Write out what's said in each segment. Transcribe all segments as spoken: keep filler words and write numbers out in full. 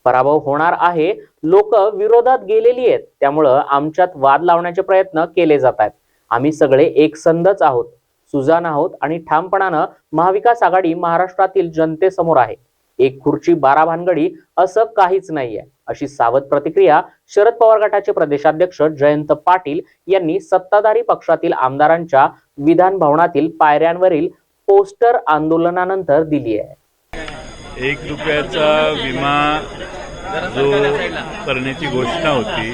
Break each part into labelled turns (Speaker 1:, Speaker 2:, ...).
Speaker 1: पराभव होणार आहे, लोक विरोधात गेलेली आहेत, त्यामुळं आमच्यात वाद लावण्याचे प्रयत्न केले जात आहेत. आम्ही सगळे एकसंधच आहोत, सुजाण आहोत आणि ठामपणानं महाविकास आघाडी महाराष्ट्रातील जनतेसमोर आहे. एक खुर्ची बारा भानगडी असं काहीच नाहीये, अशी सावध प्रतिक्रिया शरद पवार गटाचे प्रदेशाध्यक्ष जयंत पाटील यांनी सत्ताधारी पक्षातील आमदारांच्या विधान भवनातील पायऱ्यांवरील पोस्टर आंदोलनानंतर दिली आहे.
Speaker 2: एक रुपयाचा विमा जो करण्याची घोषणा होती,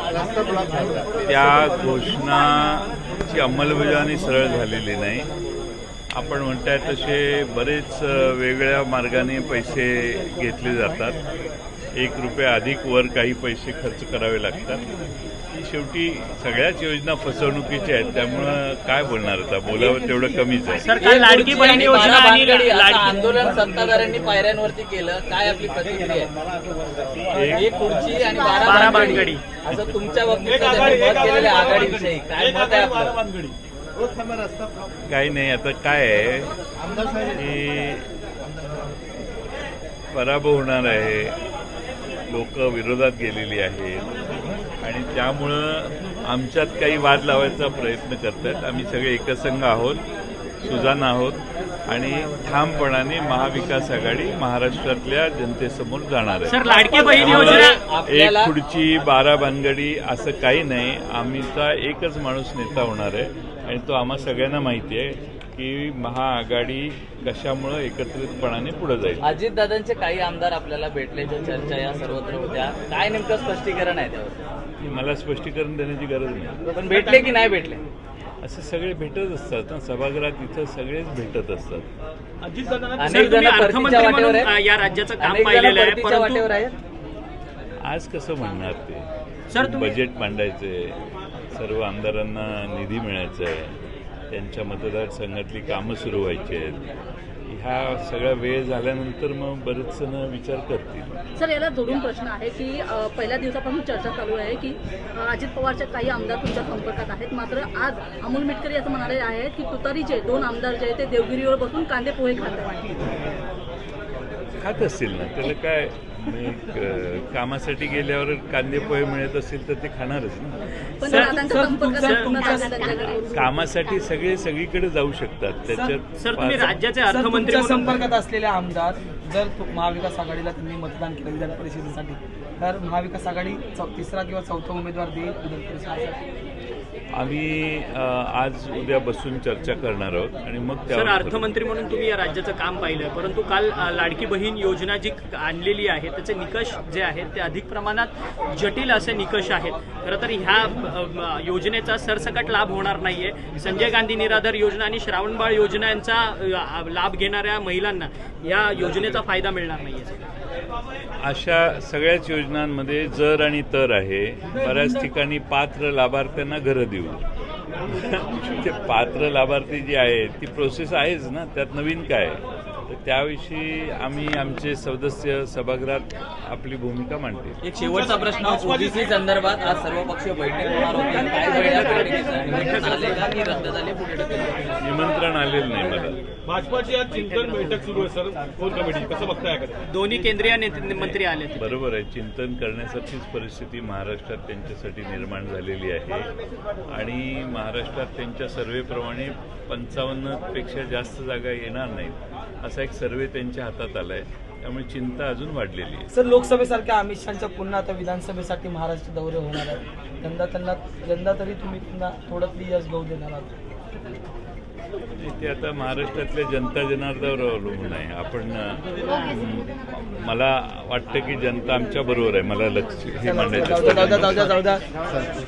Speaker 2: त्या घोषणाची अंमलबजावणी सरळ झालेली नाही. आपण म्हणताय तसे बरेच वेगळ्या मार्गाने पैसे घेतले जातात. एक रुपया अधिक वर काही पैसे खर्च करावे लागतात. शेवटी सगळ्याच योजना फसवणुकीच्या आहेत, त्यामुळं काय बोलणार आता, बोलावं तेवढं कमीच आहे.
Speaker 3: सरकार लाडकी बहीण योजना आणि
Speaker 4: आंदोलन सत्ताधाऱ्यांनी पायऱ्यांवरती केलं, काय आपली प्रतिक्रिया आहे? एक खुर्ची आणि बारा भानगडी असं तुमच्या बाबतीत मत केलेलं आघाडीविषयी काय मत आहे आपलं?
Speaker 2: काही नाही, आता काय आहे की पराभव होणार आहे, लोक विरोधात गेलेली आहेत आणि त्यामुळं आमच्यात काही वाद लावायचा प्रयत्न करतात. आम्ही सगळे एकसंघ आहोत, सुजाण आहोत आणि ठामपणाने महाविकास आघाडी महाराष्ट्रातल्या जनतेसमोर जाणार आहे.
Speaker 3: लाडकी बहीण योजना
Speaker 2: एक खुर्ची बारा भानगडी असं काही नाही. आम्हीचा एकच माणूस नेता होणार आहे आणि तो आम्हा सगळ्यांना माहिती आहे की महाआघाडी कशामुळं एकत्रितपणाने पुढे जाईल.
Speaker 4: अजितदादांचे काही आमदार आपल्याला भेटल्याच्या चर्चा या सर्वत्र होत्या, काय नेमकं स्पष्टीकरण आहे त्यावर?
Speaker 2: मला स्पष्टीकरण देण्याची गरज नाही.
Speaker 4: पण भेटले की नाही भेटले?
Speaker 2: असं सगळे भेटत असतात ना, सभागृहात इथं सगळेच भेटत असतात.
Speaker 4: अनेक जण परतीच्या वाटेवर आहेत,
Speaker 3: या राज्याचं काम
Speaker 4: अनेक जण
Speaker 3: पाहिलेलं आहे,
Speaker 4: परतीच्या वाटेवर आहेत.
Speaker 2: आज कसं म्हणणार ते?
Speaker 3: सर, तुम्ही-
Speaker 2: बजेट मांडायचंय, सर्व आमदारांना निधी मिळायचा आहे, त्यांच्या मतदारसंघातली कामं सुरू व्हायची आहेत. ह्या सगळा वेळ झाल्यानंतर मग बरेच जण विचार करतील.
Speaker 5: सर, याला जोडून प्रश्न आहे की अ, पहिल्या दिवसापासून चर्चा चालू आहे की अ, अजित पवारचे काही आमदार तुमच्या संपर्कात आहेत, मात्र आज अमोल मिटकरी असं म्हणाले आहेत की तुतारीचे दोन आमदार जे आहेत ते देवगिरीवर बसून कांदे पोहे खात आहेत.
Speaker 2: खात असतील ना, त्याला काय, कामासाठी गेल्यावर कांदे पोहे मिळत असेल तर ते खाणारच ना.
Speaker 5: पण दादांचा संपर्क संपूर्ण झाला त्यांच्याकडे.
Speaker 2: कामासाठी सगळे सगळीकडे जाऊ शकतात. त्याच्यात
Speaker 3: सर, तुम्ही राज्याचे अर्थमंत्री
Speaker 6: तुमच्या
Speaker 3: म्हणून
Speaker 6: संपर्कात असलेले आमदार जर तो महाविकास आघाडीला त्यांनी मतदान केलं विधान परिषदेसाठी, तर महाविकास आघाडी चौ तिसरा किंवा चौथा उमेदवार देईल विधान परिषदेसाठी?
Speaker 2: आम्ही आज उद्या बसून चर्चा करणार आहोत आणि मग
Speaker 3: सर,
Speaker 2: त्यावर
Speaker 3: अर्थमंत्री म्हणून तुम्ही या राज्याचं काम पाहिलंय, परंतु काल अ, लाडकी बहीण योजना जी आणलेली आहे त्याचे निकष जे आहेत ते अधिक प्रमाणात जटिल असे निकष आहेत. खरं तर ह्या अ, योजनेचा सरसकट लाभ होणार नाहीये. संजय गांधी निराधार योजना आणि श्रावणबाळ योजना यांचा अ, लाभ घेणाऱ्या महिलांना या योजनेचा फायदा मिळणार नाहीये.
Speaker 2: अशा सगळ्याच योजनांमध्ये जर आणि तर आहे. बऱ्याच ठिकाणी पात्र लाभार्थ्यांना घरं देऊ. ते पात्र लाभार्थी जी आहे ती प्रोसेस आहेच ना, त्यात नवीन काय. तर त्याविषयी आम्ही आमचे सदस्य सभागृहात आपली भूमिका मांडतील.
Speaker 4: एक शेवटचा प्रश्न, ओबीसी संदर्भात आज सर्वपक्षीय बैठक होणार होती, काय वेळ या बैठकीचं निमंत्रण आले का की रद्द झाले, पुढे ढकलले?
Speaker 2: निमंत्रण आलेलं नाही मला.
Speaker 7: भाजपाची आज चिंतन बैठक सुरू आहे सर, कोर कमिटी कसं बघताय?
Speaker 3: दोन्ही केंद्रीय नेते मंत्री आले.
Speaker 2: बरोबर आहे, चिंतन करण्यासारखीच परिस्थिती महाराष्ट्रात त्यांच्यासाठी निर्माण झालेली आहे आणि महाराष्ट्रात त्यांच्या सर्वेप्रमाणे पंचावन्न पेक्षा जास्त जागा येणार नाहीत असा एक सर्वे त्यांच्या हातात आला आहे. त्यामुळे चिंता अजून वाढलेली आहे.
Speaker 6: सर, लोकसभेसारख्या अमित शहाच्या पुन्हा आता विधानसभेसाठी महाराष्ट्र दौरे होणार आहेत. यंदा त्यांना यंदा तरी तुम्ही पुन्हा थोडं तरी यश गहू देणार आहात?
Speaker 2: ते आता महाराष्ट्रातल्या जनता जनार्दनावर अवलंबून आहे. आपण मला वाटतं की जनता आमच्या बरोबर आहे. मला लक्ष हे मांडायचं
Speaker 6: जाऊ द्या जाऊ द्या जाऊ द्या